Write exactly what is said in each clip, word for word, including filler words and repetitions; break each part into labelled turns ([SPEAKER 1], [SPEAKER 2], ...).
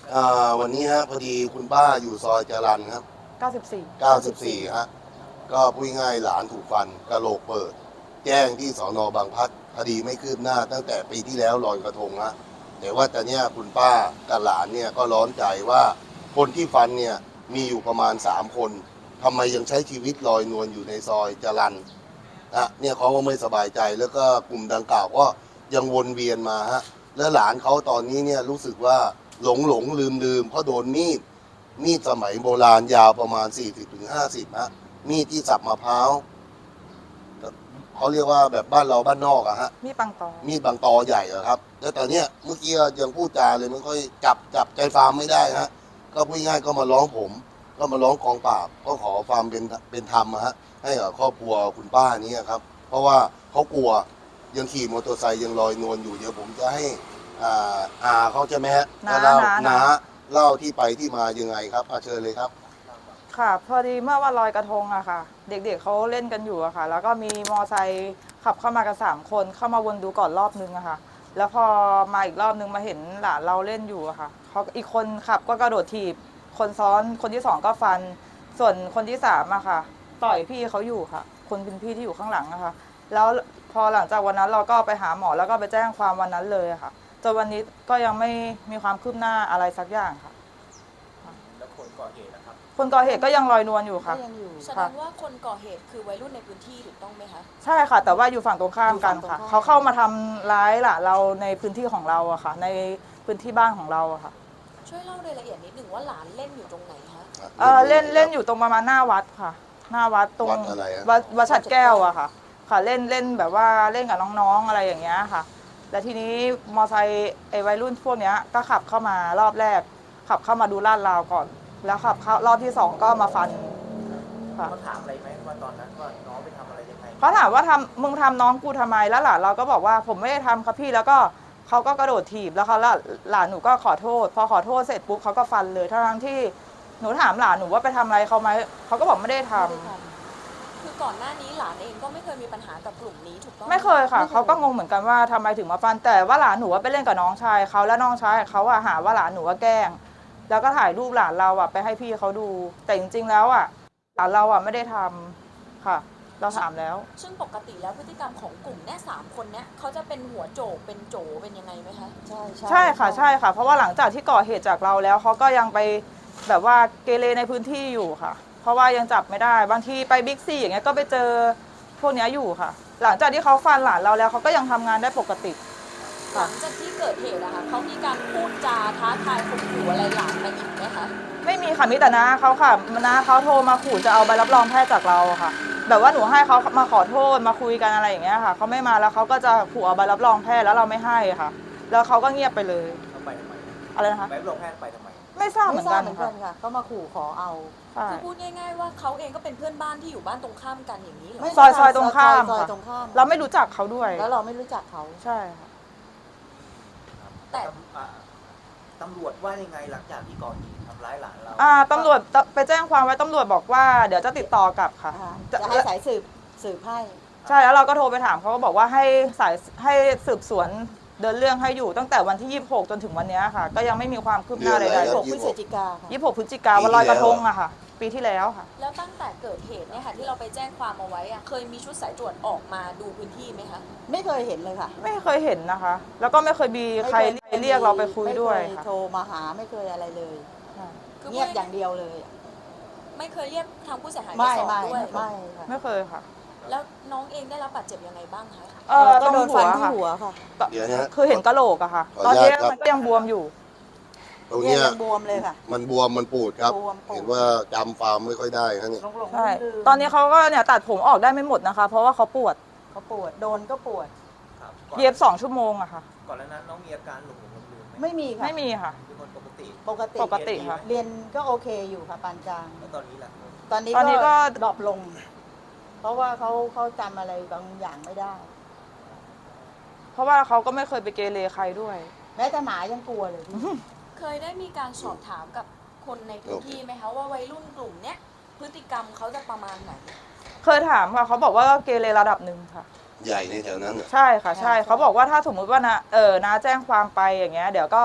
[SPEAKER 1] อ่าวันนี้ฮะพอดีคุณป้าอยู่ซอยจรัญครับ
[SPEAKER 2] เก้าสิบสี่
[SPEAKER 1] เก้าสิบสี่ฮะก็พูดง่ายหลานถูกฟันกระโหลกเปิด แจ้งที่สอนอบางพลัดคดีไม่คืบหน้าตั้งแต่ปีที่แล้วลอยกระทงฮะแต่ว่าตอนนี้คุณป้ากับหลานเนี่ยก็ร้อนใจว่าคนที่ฟันเนี่ยมีอยู่ประมาณสามคนทำไมยังใช้ชีวิตลอยนวลอยู่ในซอยจรัญนะเนี่ยเขาก็ไม่สบายใจแล้วก็กลุ่มดังกล่าวก็ยังวนเวียนมาฮะและหลานเขาตอนนี้เนี่ยรู้สึกว่าหลงหลงลืมลืมเพราะโดนมีดมีดสมัยโบราณยาวประมาณ สี่สิบถึงห้าสิบ ฮะมีดที่สับมะพร้าวเขาเรียกว่าแบบบ้านเราบ้านนอกอะฮะ
[SPEAKER 2] มีปังตอ
[SPEAKER 1] มีดบางตอใหญ่อะครับแล้วตอนเนี้ยเมื่อกี้ยังพูดจาเลยไม่ค่อยจับจับใจฟาร์มไม่ได้ฮะก็พูดง่ายก็มาร้องผม ก็มาร้องกองปราบก็ขอความเป็นเป็นธรรมอะฮะให้กับครอบครัวคุณป้านี้ครับเพราะว่าเขากลัวยังขี่มอเตอร์ไซค์ยังลอยนวลอยู่เดี๋ยวผมจะให้อ่าอาเขาใช่ไหมฮะ
[SPEAKER 2] น้า
[SPEAKER 1] เล่า
[SPEAKER 2] น้า
[SPEAKER 1] น้าเล่าที่ไปที่มายังไงครับอาเชิญเลยครับ
[SPEAKER 2] ค่ะพอดีเมื่อวันลอยกระทงอะค่ะเด็กๆเขาเล่นกันอยู่อะค่ะแล้วก็มีมอไซค์ขับเข้ามากันสามคนเข้ามาวนดูก่อนรอบนึงอะค่ะแล้วพอมาอีกรอบนึงมาเห็นหลานเราเล่นอยู่อะค่ะเขาอีกคนขับก็กระโดดถีบคนซ้อนคนที่สองก็ฟันส่วนคนที่สามอะค่ะต่อยพี่เขาอยู่ค่ะคนเป็นพี่ที่อยู่ข้างหลังอะค่ะแล้วพอหลังจากวันนั้นเราก็ไปหาหมอแล้วก็ไปแจ้งความวันนั้นเลยอะค่ะจนวันนี้ก็ยังไม่มีความคืบหน้าอะไรสักอย่างค่ะ
[SPEAKER 3] แล้วคนก่อเหตุนะครับ
[SPEAKER 2] คนก่อเหตุก็ยังลอยนวลอยู่ค่ะ
[SPEAKER 4] ก็ยังอยู่
[SPEAKER 5] แสดงว่าคนก่อเหตุคือวัยรุ่นในพื้นที่ถูกต้องไหมคะ
[SPEAKER 2] ใช่ค่ะแต่ว่าอยู่ฝั่งตรงข้ามกันค่ะเขาเข้ามาทำร้ายหล่ะเราในพื้นที่ของเราอะค่ะในพื้นที่บ้านของเราอะค่ะ
[SPEAKER 5] ช่วยเล่ารายละเอียดนิดหนึ่งว่าหลานเล่นอยู่ตรงไหนคะ
[SPEAKER 2] เออเล่นเล่นอยู่ตรงประมาณหน้าวัดค่ะ หน้าวัดตรง
[SPEAKER 1] วัดอะไรอะ
[SPEAKER 2] วัดวัดฉัดแก้วอะค่ะค่ะเล่นเล่นแบบว่าเล่นกับน้องๆอะไรอย่างเงี้ยค่ะแล้วทีนี้มอไซค์ไอ้วัยรุ่นพวกเนี้ยก็ขับเข้ามารอบแรกขับเข้ามาดูลาดราวก่อนแล้วขับเข้ารอบที่สองก็มาฟันค่ะ
[SPEAKER 3] เขาถามอะไรไหมว่าตอนนั้นว่าน้องไปทำอะไรยังไง
[SPEAKER 2] เขาถามว่าทำมึงทำน้องกูทำไมแล้วหลานเราก็บอกว่าผมไม่ได้ทำครับพี่แล้วก็เขาก็กระโดดถีบแล้วเขาหลานหนูก็ขอโทษพอขอโทษเสร็จปุ๊บเขาก็ฟันเลยทั้งที่หนูถามหลานหนูว่าไปทำอะไรเขาไหมเขาก็บอกไม่ได้ทำ
[SPEAKER 5] คือก่อนหน้านี้หลานเองก็ไม่เคยมีปัญหากับกลุ่มนี้ถูกต้อง
[SPEAKER 2] ไม่เคยค่ะเขาก็งงเหมือนกันว่าทำไมถึงมาฟันแต่ว่าหลานหนูว่าไปเล่นกับน้องชายเขาและน้องชายเขาอะหาว่าหลานหนูว่าแกล้งแล้วก็ถ่ายรูปหลานเราอะไปให้พี่เขาดูแต่จริงๆแล้วอะหลานเราอะไม่ได้ทำค่ะเราถามแล้ว
[SPEAKER 5] ซึ่งปกติแล้วพฤติกรรมของกลุ่มเนี้ยสามคนเนี้ยเขาจะเป็นหัวโจกเป็นโจเป็นยังไงไหมคะ
[SPEAKER 4] ใช่
[SPEAKER 2] ใช่ค่ะใช่ค่ะเพราะว่าหลังจากที่ก่อเหตุจากเราแล้วเขาก็ยังไปแบบว่าเกเรในพื้นที่อยู่ค่ะเพราะว่ายังจับไม่ได้บางทีไปบิ๊กซีอย่างเงี้ยก็ไปเจอพวกนี้อยู่ค่ะหลังจากที่เขาฟันหลานเราแล้วเขาก็ยังทำงานได้ปกติ
[SPEAKER 5] หลังจากที่เกิดเหตุอะค่ะเขามีการพูดจาท้าทายข่มขู่อะไรหลานมาอีกไหมคะ
[SPEAKER 2] ไม่มีค่ะมีแต่น้าเขาค่ะน้าเขาโทรมาขู่จะเอาใบรับรองแพทย์จากเราค่ะแบบว่าหนูให้เขามาขอโทษมาคุยกันอะไรอย่างเงี้ยค่ะเขาไม่มาแล้วเขาก็จะขู่เอาใบรับรองแพทย์แล้วเราไม่ให้ค่ะแล้วเขาก็เงียบไปเลย
[SPEAKER 3] เขาไปทำไม
[SPEAKER 2] อะไรนะคะ
[SPEAKER 3] ใบรับรองแพทย์ไปทำไม
[SPEAKER 2] ไม่ทราบเหมื
[SPEAKER 4] ไม่
[SPEAKER 2] อน
[SPEAKER 4] ทรา
[SPEAKER 2] กั
[SPEAKER 4] บ
[SPEAKER 2] น
[SPEAKER 4] เหมือนกั
[SPEAKER 2] ค่ะ
[SPEAKER 4] นค่ะเขามาขู่ขอเอา
[SPEAKER 5] คือพูดง่ายๆว่าเขาเองก็เป็นเพื่อนบ้านที่อยู่บ้านตรงข้ามกันอย่างนี้เหรอ
[SPEAKER 4] ไม่
[SPEAKER 2] ซอยซอยตรงข้าม
[SPEAKER 4] ซอย
[SPEAKER 2] ค่ะ
[SPEAKER 4] ตรงข้าม
[SPEAKER 2] เราไม่รู้จักเขาด้วย
[SPEAKER 4] แล้วเราไม่รู้จักเขา
[SPEAKER 2] ใช่ค่ะ
[SPEAKER 5] แต่
[SPEAKER 3] ตำรวจว่ายังไงหลังจากที่ก่อเหตุทำร้ายหลานเรา
[SPEAKER 2] อ่าตำรวจไปแจ้งความไว้ตำรวจบอกว่าเดี๋ยวจะติดต่อกลับค่ะ
[SPEAKER 4] จะให้สายสืบสืบให้
[SPEAKER 2] ใช่แล้วเราก็โทรไปถามเขาก็บอกว่าให้สายให้สืบสวนเดินเรื่องให้อยู่ตั้งแต่วันที่ยี่สิบหกจนถึงวันนี้ค่ะก็ยังไม่มีความคืบหน้าใดๆ
[SPEAKER 4] หกพฤศจิกาค่ะ
[SPEAKER 2] ยี่สิบหกพฤศจิกาวันลอยกระทงอะค่ะปีที่แล้วค่ะ
[SPEAKER 5] แล้วตั้งแต่เกิดเหตุเนี่ยค่ะที่เราไปแจ้งความเอาไว้อะเคยมีชุดสายตรวจออกมาดูพื้นที่ไหมคะ
[SPEAKER 4] ไม่เคยเห็นเลยค่ะ
[SPEAKER 2] ไม่เคยเห็นนะคะแล้วก็ไม่เคยมีใครเรียกเราไปคุยด้วย
[SPEAKER 4] ค่ะโทรมาหาไม่เคยอะไรเลยเงียบอย่างเดียวเลย
[SPEAKER 5] ไม่เคยเรียกทางผู้เสียหาย
[SPEAKER 4] มา
[SPEAKER 5] สอบด้วย
[SPEAKER 4] ไม่
[SPEAKER 2] ไม่เคยค่ะ
[SPEAKER 5] แล้วน้องเองได้รับบาดเจ็บยังไงบ้างคะ
[SPEAKER 2] เออตรงหัว
[SPEAKER 4] ที่หัวค่ะ
[SPEAKER 1] เดี๋ยวนะ
[SPEAKER 2] คือเห็นกะโหลกอะค่ะตอนนี้มันก็ยังบวมอยู่
[SPEAKER 1] ตรงนี้
[SPEAKER 4] บวมเลยค่ะ
[SPEAKER 1] มันบวมมันปูดครับเห็นว่าจำฟาร์มไม่ค่อยได้ครับเนี่ย
[SPEAKER 2] ใช่ตอนนี้เขาก็เนี่ยตัดผมออกได้ไม่หมดนะคะเพราะว่าเขาปวด
[SPEAKER 4] เขาปวดโดนก็ปวด
[SPEAKER 2] เย็บสองชั่วโมงอะค่ะ
[SPEAKER 3] ก่อนนั้นน้องมีอาการหลงหลงลืม
[SPEAKER 4] ไม่มีค่ะ
[SPEAKER 2] ไม่มีค่ะ
[SPEAKER 3] เป็นคนปกติ
[SPEAKER 4] ปกติ
[SPEAKER 2] ปกติค่ะ
[SPEAKER 4] เรียนก็โอเคอยู่ค่ะปานกลาง
[SPEAKER 3] แล้วตอนนี้ล่ะ
[SPEAKER 4] ตอนนี้ตอนนี้ก็ดรอปลงเพราะว่าเขาเขาจำอะไรบางอย่างไม่ได้
[SPEAKER 2] เพราะว่าเขาก็ไม่เคยไปเกเรใครด้วย
[SPEAKER 4] แม้แต่หมายังกลัวเลย
[SPEAKER 5] เคยได้มีการสอบถามกับคนในพื้นที่ไหมคะว่าวัยรุ่นกลุ่มเนี้ยพฤติกรรมเขาจะประมาณไหน
[SPEAKER 2] เคยถามค่ะเขาบอกว่าเกเรระดับหนึ่งค่ะ
[SPEAKER 1] ใหญ่ในแถวนั้น
[SPEAKER 2] ใช่ค่ะใช่เขาบอกว่าถ้าสมมุติว่านะเออนะแจ้งความไปอย่างเงี้ยเดี๋ยวก็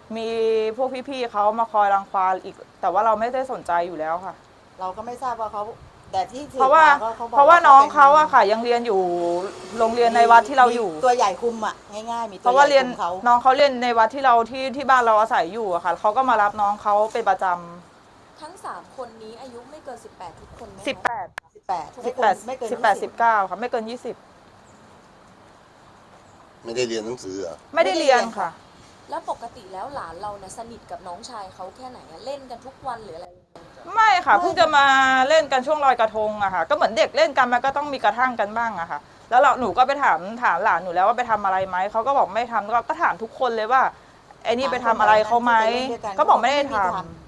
[SPEAKER 2] มีพวกพี่ๆเขามาคอยรังควานอีก แต่ว่าเราไม่ได้สนใจอยู่แล้วค่ะ
[SPEAKER 4] เราก็ไม่ทราบว่าเขาแต่ที่สืบ
[SPEAKER 2] เพราะว่า
[SPEAKER 4] มก็ขบอก
[SPEAKER 2] เพราะว่าน้องเขา
[SPEAKER 4] ป็
[SPEAKER 2] อะค่ะ ยังเรียนอยู่โรงเรียนในวัดที่เราอยู่
[SPEAKER 4] มีตัวใหญ่คุมอ่ะง่ายๆมี
[SPEAKER 2] เพ
[SPEAKER 4] ตัว
[SPEAKER 2] ราะ
[SPEAKER 4] ให
[SPEAKER 2] ว่า
[SPEAKER 4] ญ่
[SPEAKER 2] เรียน
[SPEAKER 4] คุมเขา
[SPEAKER 2] น้องเขาเรียนในวัดที่เราที่ที่บ้านเราอาศัยอยู่อะค่ะเขาก็มารับน้องเขาเป็นประจ
[SPEAKER 5] ทั้งสามคนนี้อายุไม่เกินสิบแปดทุกคนไหม
[SPEAKER 2] ำ
[SPEAKER 5] คะ
[SPEAKER 2] สิบแปด
[SPEAKER 4] สิบแปด
[SPEAKER 2] สิบแปด
[SPEAKER 4] ไม่เกิน
[SPEAKER 2] สิบแปดสิบเก้าค่ะไม่เกินยี่สิบ
[SPEAKER 1] ไม่ได้เรียนหนังสือเหรอ
[SPEAKER 2] ไม่ได้เรียนค่ะ
[SPEAKER 5] แล้วปกติแล้วหลานเราเนี่ยสนิทกับน้องชายเขาแค่ไหนอะเล่นกันทุกวันหรืออะไร
[SPEAKER 2] ไม่ค่ะเพิ่งจะมาเล่นกันช่วงลอยกระทงอะค่ะก็เหมือนเด็กเล่นกันมันก็ต้องมีกระทั่งกันบ้างอะค่ะ แล้วเราหนูก็ไปถามถามหลานหนูแล้วว่าไปทำอะไรไหมเขาก็บอกไม่ทำก็ก็ถามทุกคนเลยว่าไอ้นี่ไปทำอะไรเขาไหมก็บอกไม่ได้ทำ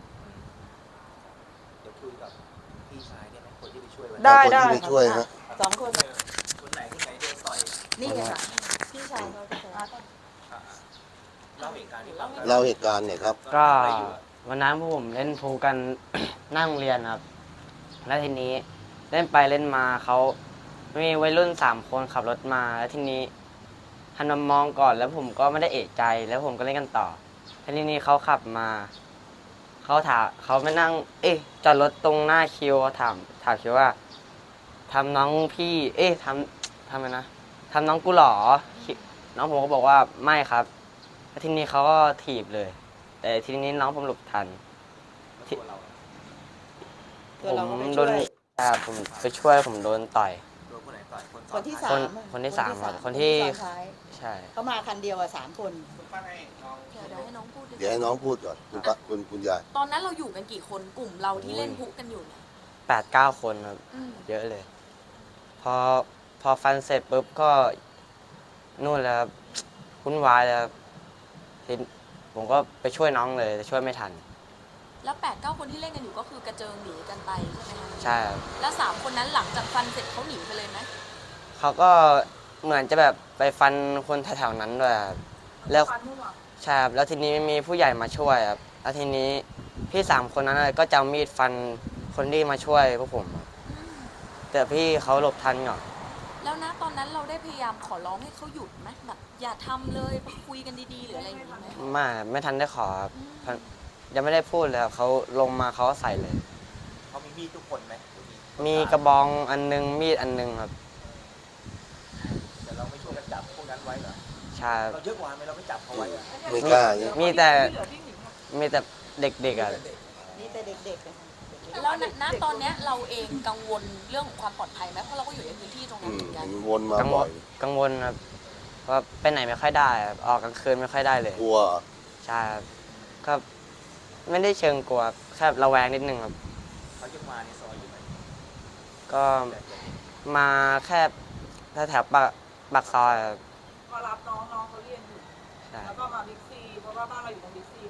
[SPEAKER 3] เดี๋ยวคุยกับพี่ชายได้ไหมคนที่ไปช่วยวันนั้น
[SPEAKER 2] ได้
[SPEAKER 1] คน
[SPEAKER 2] ได้
[SPEAKER 1] ที่ไปช่วยฮะ
[SPEAKER 4] สองคน
[SPEAKER 3] คนไหนคนไหนโดนต่อย
[SPEAKER 4] นี่ไงค่ะพี่ชายเขาจะ
[SPEAKER 3] อ่ะอ่ะเล่าเหตุการณ์ที่ฟัง
[SPEAKER 1] เล่าเหตุการณ์เนี่ยครับ
[SPEAKER 6] ก็วันนั้นพวกผมเล่นพูลกัน หน้าโรงเรียนครับ แล้วทีนี้เล่นไปเล่นมาเขามีวัยรุ่นสามคนขับรถมา แล้วทีนี้หันมามองก่อนแล้วผมก็ไม่ได้เอะใจแล้วผมก็เล่นกันต่อแล้วทีนี้เขาขับมาเขาถามเขาไม่นั่ง เอ๊ะจอดรถตรงหน้าคิวถามถามคิวว่าทำน้องพี่ เอ๊ะทำทำไมนะทำน้องกูเหรอคิน้องผมก็บอกว่าไม่ครับแล้วทีนี้เขาก็ถีบเลย แต่ทีนี้น้องผมหลบทัน
[SPEAKER 3] ตัวเรา
[SPEAKER 4] ตัวเราก็ไป
[SPEAKER 6] ผมโด
[SPEAKER 4] ช่วน ย
[SPEAKER 6] อ่าผมไปช่วยผมโดนต่อย
[SPEAKER 3] โดนคนไหนต่อยคน
[SPEAKER 4] คนที่
[SPEAKER 3] ซ้
[SPEAKER 4] สา
[SPEAKER 3] อน
[SPEAKER 4] ม
[SPEAKER 6] คนที่สามครับ
[SPEAKER 4] ค
[SPEAKER 6] คน น
[SPEAKER 4] ที่
[SPEAKER 6] ที่
[SPEAKER 4] ซ้อนท้าย
[SPEAKER 6] ใช่
[SPEAKER 4] เขามาคันเดียวอะสามคน
[SPEAKER 3] คุณป้าให้น้อง
[SPEAKER 5] เดี๋ยวเดี๋ยวให้น้องพูดดีก
[SPEAKER 1] เดี๋ยว
[SPEAKER 5] ว่า
[SPEAKER 1] ให้น้องพูดก่อนคุณป้าคุณคุณยาย
[SPEAKER 5] ตอนนั้นเราอยู่กันกี่คนกลุ่มเราที่เล่นพุกันอยู่เนี่ย
[SPEAKER 6] แปดเก้าคนครับ
[SPEAKER 5] อืม
[SPEAKER 6] เยอะเลย พอพอฟันเสร็จปุ๊บก็นู่นแล้วครับวุ่นวายแล้วครับทีผมก็ไปช่วยน้องเลยแต่ช่วยไม่ทัน
[SPEAKER 5] แล้วแปดเก้าคนที่เล่นกันอยู่ก็คือกระเจิงหนีกันไปใช่ไหมคะ
[SPEAKER 6] ใช่ครับ
[SPEAKER 5] แล้วสามคนนั้นหลังจากฟันเสร็จเขาหนีไปเลยไหม
[SPEAKER 6] เขาก็เหมือนจะแบบไปฟันคนแถวๆนั้นด้วยครับแล้วใช่ครับแล้วทีนี้มีผู้ใหญ่มาช่วยครับแล้วทีนี้พี่สามคนนั้นก็จะเอามีดฟันคนที่มาช่วยพวกผมครับแต่พี่เขาหลบทันก่อน
[SPEAKER 5] แล้วนะตอนนั้นเราได้พยายามขอร้องให้เขาหยุดไหมแบบอย่าทำเลยมาคุยกันดีๆหรืออะไรอย่างนี้ไหม
[SPEAKER 6] ไม่ไม่ทันได้ขอครับ
[SPEAKER 5] อืม
[SPEAKER 6] ยังไม่ได้พูดเลยครับเขาลงมาเขาก็ใส่เลย
[SPEAKER 3] เขามีมีดทุกคนไหม
[SPEAKER 6] มีกระบองอันนึงมีดอันนึงครับ
[SPEAKER 3] แต่เราไม่ช่วยกันจับพวกนั้นไว้เหรอ
[SPEAKER 6] ใช่ครับ
[SPEAKER 3] เราเยอะกว่าไหมเราไม่จับเขาไว้อะ
[SPEAKER 1] ไม่กล้าเนี่ย
[SPEAKER 6] มีแต่มีแต่เด็กๆอ่ะ
[SPEAKER 4] นี่แต่เด็กๆนะคะ
[SPEAKER 5] แล้วณณตอนเนี้ยเราเองกังวลเรื่องของความปลอดภัยไหมเพราะเราก็อยู่ในพื้นที่ตรง
[SPEAKER 1] อื
[SPEAKER 5] นั้น
[SPEAKER 1] ม
[SPEAKER 5] เหมือนกัน
[SPEAKER 1] เห็นวนมา
[SPEAKER 6] กังว
[SPEAKER 1] บ่อ
[SPEAKER 6] ล
[SPEAKER 1] ย
[SPEAKER 6] กังวลครับเพราะไปไหนไม่ค่อยได้ครับออกกลางคืนไม่ค่อยได้เลย
[SPEAKER 1] กลัว
[SPEAKER 6] ใช่ครับก็ไม่ได้เชิงกลัวแค่ระแวงนิดนึงครับ
[SPEAKER 3] เขายังมาในซอยอยู่ไหม
[SPEAKER 6] ก็
[SPEAKER 3] แต่เดี๋ยวนี้
[SPEAKER 6] มาแค่แถวๆปากปากซอยครับ
[SPEAKER 2] มารับน้องน้องเขาเรียนอยู่
[SPEAKER 6] ใช่
[SPEAKER 2] แล้วก็มาบิ๊กซีเพราะว่าบ้านเราอยู่ตรงบิ๊กซี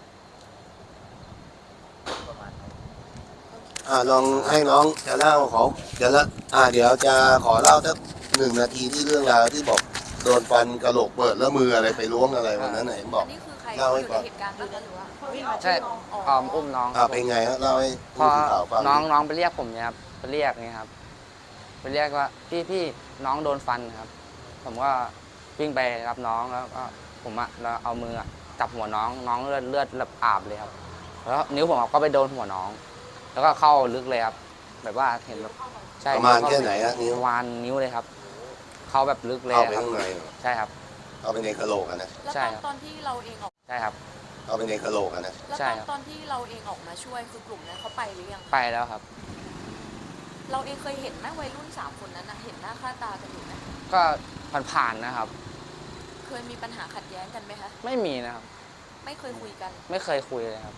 [SPEAKER 3] ประมาณนั้น
[SPEAKER 1] อ่าลองให้น้องจะเล่าของจะละอ่าเดี๋ยวจะขอเล่าสักหนึ่งนาทีที่เรื่องราวที่บอกโดนฟันกระโหลกเปิดแล้วมืออะไรไปล้วงอะไรวันนั้นไหนบอก
[SPEAKER 5] อันนี้คือใคร
[SPEAKER 1] เล่าให้
[SPEAKER 5] อยู่
[SPEAKER 1] ฟั
[SPEAKER 5] ใน
[SPEAKER 1] ง
[SPEAKER 5] เหตุการณ์บ้างคะหรือว่า
[SPEAKER 4] วิ่งมา
[SPEAKER 6] ใช่
[SPEAKER 4] ช่วยน้อง
[SPEAKER 6] ออมอุ้มน้อง
[SPEAKER 1] อ่าเป็นไงฮะเล่าให้
[SPEAKER 6] พ
[SPEAKER 1] ผู้
[SPEAKER 6] อ
[SPEAKER 1] สื่อข่าวฟัง
[SPEAKER 6] น้องน้องไปเรียกผมเนี่ยครับไปเรียกนี่ครับไปเรียกว่าพี่พี่น้องโดนฟันครับ ผมก็วิ่งไปรับน้องแล้วก็ผมอะแล้วเอามืออะจับหัวน้องน้องเลือดเลือดแบบอาบเลยครับแล้วนิ้วผมอะก็ไปโดนหัวน้อง แล้วก็เข้าลึกเลยครับ แบบว่าเห็นแบบใช่
[SPEAKER 1] ประมาณแค่ไหนฮะนิ้ว
[SPEAKER 6] ประมาณนิ้วเลยครับ เข้าแบบลึกเลย
[SPEAKER 1] เข้าไป
[SPEAKER 6] ครับ
[SPEAKER 1] ข้างในเหรอ
[SPEAKER 6] ใช่ครับ
[SPEAKER 1] เข้าไปในกระโหลกอะนะ
[SPEAKER 5] แล้ว
[SPEAKER 6] ใช่
[SPEAKER 5] ตอน
[SPEAKER 6] ครับ
[SPEAKER 5] ตอนที่เราเองออก
[SPEAKER 6] ใช่ครับ
[SPEAKER 1] เข้าไปในกระโหลกอะนะ
[SPEAKER 5] แล้ว
[SPEAKER 6] ใช่
[SPEAKER 5] ตอน
[SPEAKER 6] ครับ
[SPEAKER 5] ตอนที่เราเองออกมาช่วยคือกลุ่มนั้นเขาไปหรือยัง
[SPEAKER 6] ไปแล้วครับ
[SPEAKER 5] เราเองเคยเห็นไหมวัยรุ่นสามคนนั้นนะเห็นหน้าค่าตากันอยู่ไหม
[SPEAKER 6] ก็ผ่านๆนะครับ
[SPEAKER 5] เคยมีปัญหาขัดแย้งกันไหมคะ
[SPEAKER 6] ไม่มีนะครับ
[SPEAKER 5] ไม่เคยคุยกัน
[SPEAKER 6] ไม่เคยคุยเลยครับ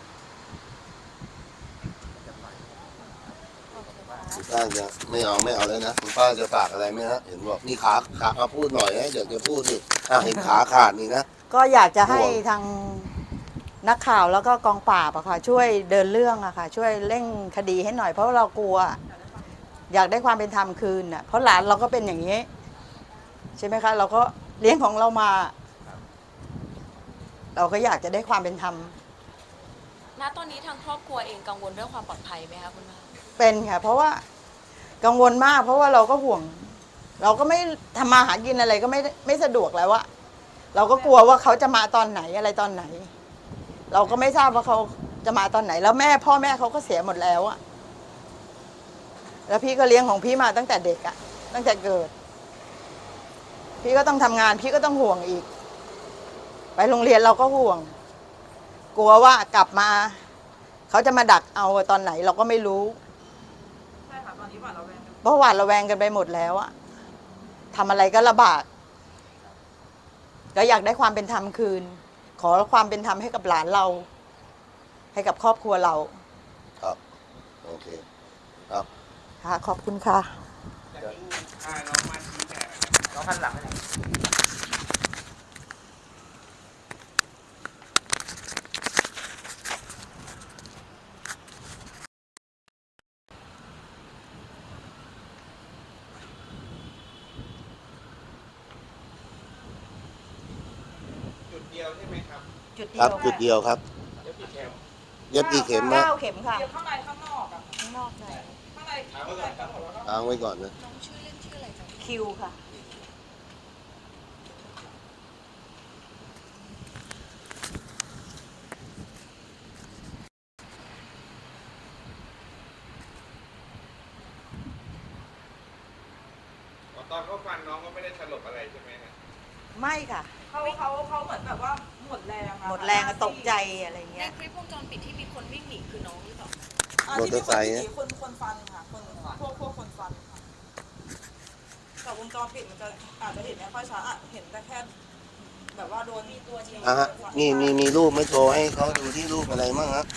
[SPEAKER 1] คุณป้าจะไม่เอาไม่เอาแล้วนะคุณป้าจะฝากอะไรไหมฮะเห็นบอกนี่ขาขามาพูดหน่อยนะเดี๋ยวจะพูดดิอ่ะเห็นขาขาดนี่นะ
[SPEAKER 4] ก็อยากจะให้
[SPEAKER 1] ห่วง
[SPEAKER 4] ทางนักข่าวแล้วก็กองปราบอะค่ะ ช่วยเดินเรื่องอะค่ะ ช่วยเร่งคดีให้หน่อยเพราะว่าเรากลัว อยากได้ความเป็นธรรมคืนอะเพราะหลานเราก็เป็นอย่างนี้ ใช่ไหมคะ เราก็เลี้ยงของเรามา เราก็อยากจะได้ความเป็นธรรม
[SPEAKER 5] ณ ตอนนี้ทางครอบครัวเองกังวลเรื่องความปลอดภัยไหมคะคุณแม่
[SPEAKER 4] เป็นค่ะ เพราะว่ากังวลมาก เพราะว่าเราก็ห่วง เราก็ไม่ทำมาหากินอะไรก็ไม่ไม่สะดวกแล้วอะเราก็กลัวว่าเขาจะมาตอนไหนอะไรตอนไหน
[SPEAKER 5] อ
[SPEAKER 4] เราก็ไม่ทราบว่าเขาจะมาตอนไหน แล้วแม่พ่อแม่เขาก็เสียหมดแล้วอะแล้วพี่ก็เลี้ยงของพี่มาตั้งแต่เด็กอะตั้งแต่เกิด พี่ก็ต้องทำงาน พี่ก็ต้องห่วงอีก ไปโรงเรียนเราก็ห่วง กลัวว่ากลับมาเขาจะมาดักเอาตอนไหนเราก็ไม่รู้
[SPEAKER 2] ใช่ค่ะตอนนี้หวาดระแวงกัน
[SPEAKER 4] เพราะหวาดระแวงกันไปหมดแล้วอะทำอะไรก็ลำบาก ก็อยากได้ความเป็นธรรมคืน ขอความเป็นธรรมให้กับหลานเรา ให้กับครอบครัวเรา
[SPEAKER 1] ครับ โอเค ครับ
[SPEAKER 4] ค่ะ ขอบคุณค่ะ
[SPEAKER 3] น้องหันหลังไปไหน
[SPEAKER 7] จุดเดียวใช่ไหมครับ
[SPEAKER 4] จุดเดี
[SPEAKER 1] ครั
[SPEAKER 4] ย
[SPEAKER 1] บ
[SPEAKER 4] ว
[SPEAKER 1] จุดเดียวครับ
[SPEAKER 7] เดี๋ยวพี่แคม
[SPEAKER 1] เย็บกี่เข็มนะ
[SPEAKER 4] เก้าเข็มค่ะ
[SPEAKER 2] เดี๋ยวข้างในข้างนอกอะ
[SPEAKER 4] ข้างนอกใช่
[SPEAKER 2] ข้างในข้างในกันหมดแล้วก็
[SPEAKER 1] ค้างไว้ก่อนนะ
[SPEAKER 5] น้องชื่อเล่นชื่ออะไรจ๊ะ
[SPEAKER 4] คิวค่ะ
[SPEAKER 7] ตอนเขาฟันน้องก็ไม่ได้สลบอะไรใช่ไหมฮะ
[SPEAKER 4] ไม่ค่ะ
[SPEAKER 2] เขาเขาเขาเหมือนแบบว่าหมดแรงอะ
[SPEAKER 4] หมดแรงอะตกใจอะไร
[SPEAKER 5] ใน
[SPEAKER 4] เงี้ย
[SPEAKER 5] คลิปวงจรปิดที่มีคนวิ่งหนีคือน้องหรือเปล่า
[SPEAKER 2] อ่ะ
[SPEAKER 1] มอ
[SPEAKER 2] ที่
[SPEAKER 1] เตอร์ไซค์
[SPEAKER 2] มีคนคนคนฟันค่ะคนพวกพวกคนฟันค่ะแต่วงจรปิดมันจะอาจจะเห็นไม่ค่อยชัดอะเห็นแต่แค่แบบว่าโดนมีตัวจริง
[SPEAKER 1] อ่ะฮะนี่มีมีรูปไหม่โชว์ให้เขาดูที่รูปอะไรมั่งครับ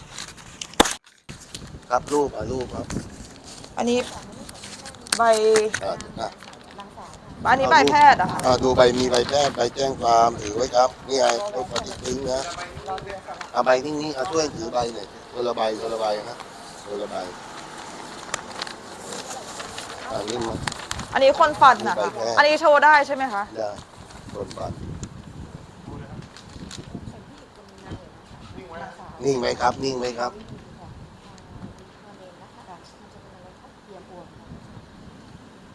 [SPEAKER 1] ครับรูปอ่ะรูปครับ
[SPEAKER 2] อันนี้ใบ
[SPEAKER 1] อ่ะอ่ะ
[SPEAKER 2] อันนี้ใบแพทย์อะค่ะ
[SPEAKER 1] อ่ะดูใบมีใบแพทย์ใบแจ้งความถือไว้ครับ นี่ไงรูปปฏิทินนะเอาใบนิ่งๆเอาช่วยถือใบหน่อยคนละใบคนละใบนะคนละใบอ่านี่มา
[SPEAKER 2] อันนี้คนฟันอะ
[SPEAKER 1] ใบ
[SPEAKER 2] ค่ะ
[SPEAKER 1] แพทย์
[SPEAKER 2] อันนี้โชว์ได้ใช่ไหมคะ
[SPEAKER 1] ได้คนบัตรนิ่งไหมครับ นิ่งไหมครับ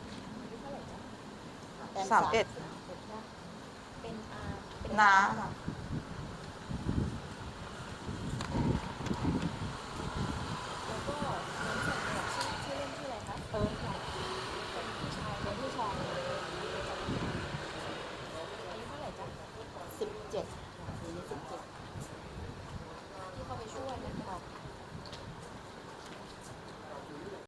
[SPEAKER 2] สามเอ็ด
[SPEAKER 5] เป็นอา
[SPEAKER 2] น้า
[SPEAKER 5] ค่ะ